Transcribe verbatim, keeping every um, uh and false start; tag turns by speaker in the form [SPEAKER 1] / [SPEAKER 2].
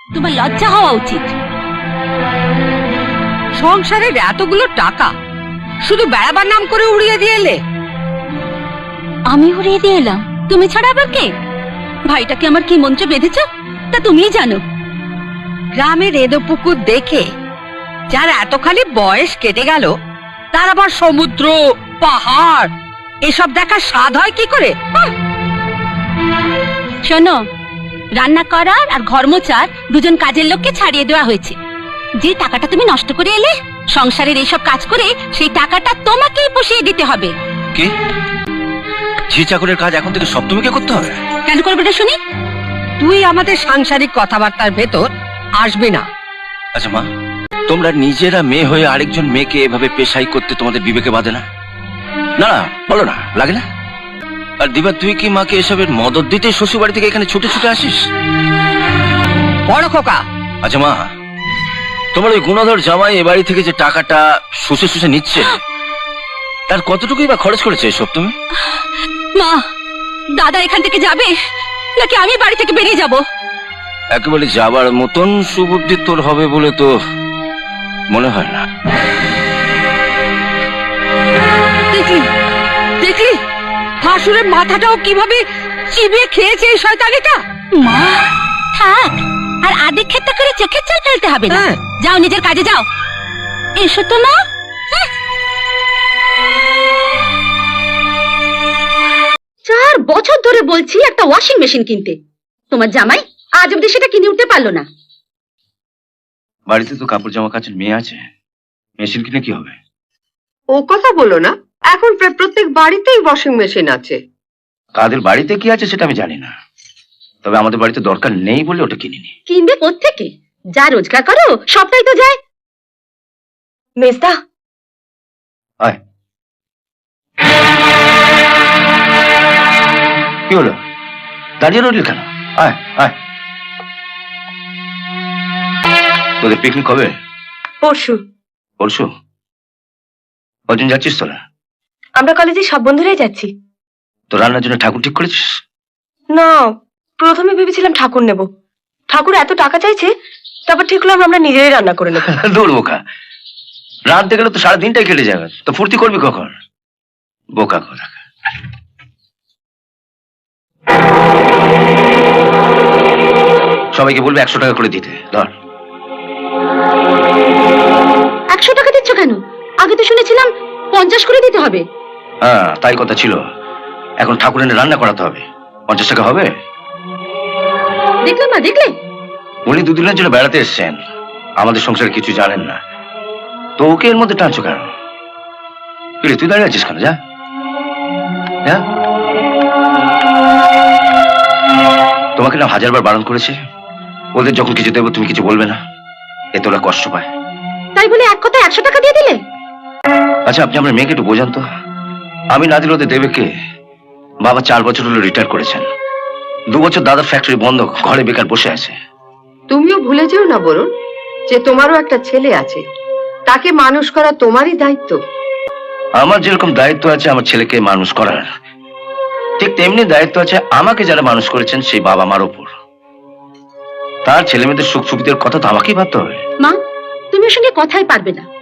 [SPEAKER 1] তোমার লজ্জা হওয়া উচিত।
[SPEAKER 2] সংসারের এতগুলো টাকা শুধু বেড়াবার নাম করে উড়িয়ে দিয়ে এলে।
[SPEAKER 1] আমি উড়িয়ে দিয়ে এলাম? তুমি ছাড়া আবার কে? ভাইটাকে আমার কি মন্ত্রে বেঁধেছ তা তুমিই জানো।
[SPEAKER 2] গ্রামের এদো পুকুর দেখে যার এতখানি বয়স কেটে গেল, তার আবার সমুদ্র পাহাড় এসব দেখার স্বাদ হয় কি করে?
[SPEAKER 1] শোনো, রান্না করার আর ঘর মোছার দুজন কাজের লোককে ছাড়িয়ে দেওয়া হয়েছে। যে টাকাটা তুমি নষ্ট করে এলে সংসারের এইসব কাজ করে, সেই টাকাটা তোমাকেই পুষিয়ে দিতে হবে।
[SPEAKER 3] কি ঝি চাকরের কাজ এখন থেকে সব তুমিকে করতে হবে?
[SPEAKER 1] কেন করবে না শুনি?
[SPEAKER 2] তুই আমাদের সাংসারিক কথাবার্তার ভেতর আসবি না।
[SPEAKER 3] আচ্ছা মা, তোমরা নিজেরা মেয়ে হয়ে আরেকজন মেয়েকে এভাবে পেশাই করতে তোমাদের বিবেকে বাঁধে না? না না বলো না, লাগে না? আর দিবা, তুই কি মাকে এসবের মদত দিতে শ্বশুর বাড়ি থেকে এখানে ছুটে ছুটে আসিস?
[SPEAKER 2] বড় খোকা।
[SPEAKER 3] আচ্ছা মা, তোমার ওই গুণধর জামাই এ বাড়ি থেকে যে টাকাটা শুষে শুষে নিচ্ছে, তার কতটুকুই বা খরচ করেছে এসব তুমি?
[SPEAKER 1] মা, দাদা এখান থেকে যাবে নাকি আমি বাড়ি থেকে বেরিয়ে যাব?
[SPEAKER 3] একেবারে যাবার মতন সুবুদ্ধি তোর হবে বলে তো মনে হয় না।
[SPEAKER 2] দেখলি দেখলি শাশুড়ের মাথাটাও কিভাবে চিবিয়ে খেয়েছে এই শয়তানিটা।
[SPEAKER 1] মা থাক, আর আদিক ক্ষেত্র করে চোখের জল ফেলতে হবে না।
[SPEAKER 2] হ্যাঁ।
[SPEAKER 1] যাও, নিজের কাজে যাও। এসো তো মা। হ্যাঁ। চার বছর ধরে বলছি একটা ওয়াশিং মেশিন কিনতে, তোমার জামাই আজ অব্দি সেটা কিনে উঠতে পারলো না।
[SPEAKER 3] বাড়িতে তো কাপড় জামা কাচের মেয়ে আছে, মেশিন কিনে কি হবে?
[SPEAKER 4] ও কথা বলো না, এখন প্রায় প্রত্যেক বাড়িতেই ওয়াশিং মেশিন আছে।
[SPEAKER 3] কাদের বাড়িতে কি আছে সেটা আমি জানি না, তবে আমাদের বাড়িতে দরকার নেই বলে ওটা কিনিনি।
[SPEAKER 1] কিনবে কোত্থেকে? যা রোজগার করো সবটাই তো যায়। মেজদা,
[SPEAKER 3] আয়। কি হলো, দাঁড়িয়ে রইলি কেন? আয় আয়। তোদের পিকনিক কবে?
[SPEAKER 4] পরশু।
[SPEAKER 3] পরশু? কজন যাচ্ছিস তোরা?
[SPEAKER 4] আমরা কলেজে সব বন্ধুরাই যাচ্ছি।
[SPEAKER 3] তো রান্নার জন্য ঠাকুর ঠিক করেছিস?
[SPEAKER 4] না, প্রথমে ভেবেছিলাম ঠাকুর নেব, ঠাকুর এত টাকা চাইছে, তারপর ঠিক হলাম আমরা নিজেরাই রান্না করে নেব।
[SPEAKER 3] দৌড় বোকা, রাঁধতে গেলে তো সারা দিনটাই কেটে যাবে, তো ফুর্তি করবি কখন? বোকা কথা। সবাইকে বলবে একশো টাকা করে দিতে। ধর।
[SPEAKER 1] একশো টাকা দিচ্ছ কেন? আগে তো শুনেছিলাম পঞ্চাশ করে দিতে হবে।
[SPEAKER 3] হ্যাঁ তাই কথা ছিল, এখন ঠাকুর এনে রান্না করাতে হবে, পঞ্চাশ টাকা হবে?
[SPEAKER 1] দেখলাম না, দেখলে?
[SPEAKER 3] উনি দুদিনের জন্য বেড়াতে এসছেন, আমাদের সংসারে কিছু জানেন না, তো ওকে এর মধ্যে টানছো কেন? তুই দাঁড়িয়ে আছিস কেন? যা যা। তোমাকে না হাজারবার বারণ করেছে, ওদের যখন কিছু দেবো তুমি কিছু বলবে না, এতে ওরা কষ্ট পায়।
[SPEAKER 1] তাই বলে এক কথা একশো টাকা দিয়ে দিলে?
[SPEAKER 3] আচ্ছা আপনি আপনার মেয়েকে একটু বোঝান তো, আমি না দিলে ওদের দেবে কে? বাবা চার বছর হলো রিটায়ার করেছেন, দু বছর দাদার ফ্যাক্টরি বন্ধ, ঘরে বেকার বসে আছে।
[SPEAKER 4] তুমিও ভুলে যেও না বরুণ, যে তোমারও একটা ছেলে আছে, তাকে মানুষ করা তোমারই দায়িত্ব।
[SPEAKER 3] আমার যেরকম দায়িত্ব আছে আমার ছেলেকে মানুষ করার, ঠিক তেমনি দায়িত্ব আছে আমাকে যারা মানুষ করেছেন সেই বাবা মার উপর। তার ছেলে মেয়েদের সুখ সুবিধার কথা তো আমাকেই ভাবতে হবে।
[SPEAKER 1] মা, তুমি ওর সঙ্গে কথাই পারবে না।